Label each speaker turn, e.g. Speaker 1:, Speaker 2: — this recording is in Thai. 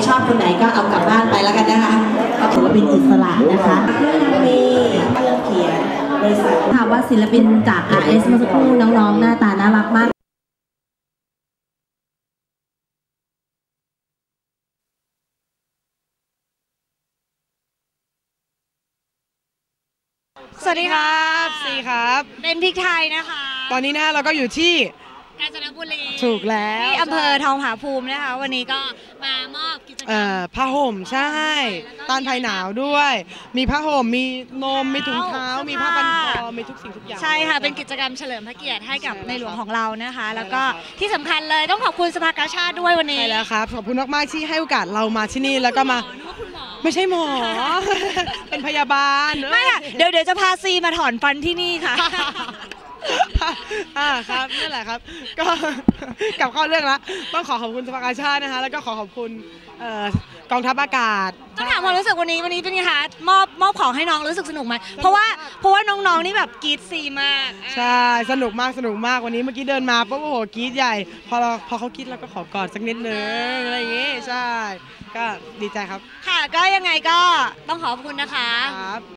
Speaker 1: ชอบคนไหนก็เอากลับบ้านไปแล้วกันนะคะก็ถือว่าเป็นอิสระนะคะเครื่องมีเครื่องเขียนบริษัทถามว่าศิลปินจาก RS เมื่อสักครู่น้องๆหน้าตาน่ารักมาก
Speaker 2: สวัสดีครับสีครับเป็นพริกไทยนะคะตอนนี้นะเราก็อยู่ที่กาญจนบุรีถูกแล้วที่อำเภอทองผาภูมินะคะวันนี้ก็มามอบกิจกรรมผ้าห่มใช่ต้านภัยหนาวด้วยมีผ้าห่มมีนมมีถุงเท้ามีผ้าพันคอมีทุกสิ่งทุกอย่างใช่ค่ะเป็นกิจกรรมเฉลิมพระเกียรติให้กับในหลวงของเรานะคะแล้วก็ที่สำคัญเลยต้องขอบคุณสภากาชาติด้วยวันนี้ใช่แล้วครับขอบคุณมากๆที่ให้โอกาสเรามาที่นี่แล้วก็มาไม่ใช่หมอเป็นพยาบาลไม่ค่ะเดี๋ยวจะพาซีมาถอนฟันที่นี่ค่ะครับนั่นแหละครับก็กลับเข้าเรื่องแล้วต้องขอบคุณสภากาชาตินะคะแล้วก็ขอบคุณกองทัพอากาศต้องถามความรู้สึกวันนี้เป็นไงคะมอบของให้น้องรู้สึกสนุกไหมเพราะว่าน้องๆนี่แบบกรี๊ดซีมากใช่สนุกมากวันนี้เมื่อกี้เดินมาปุ๊บโอ้โหกรี๊ดใหญ่พอเขากรี๊ดเราก็ขอกอดสักนิดนึงอะไรอย่างงี้ใช่ก็ดีใจครับค่ะก็ยังไงก็ต้องขอบคุณนะคะ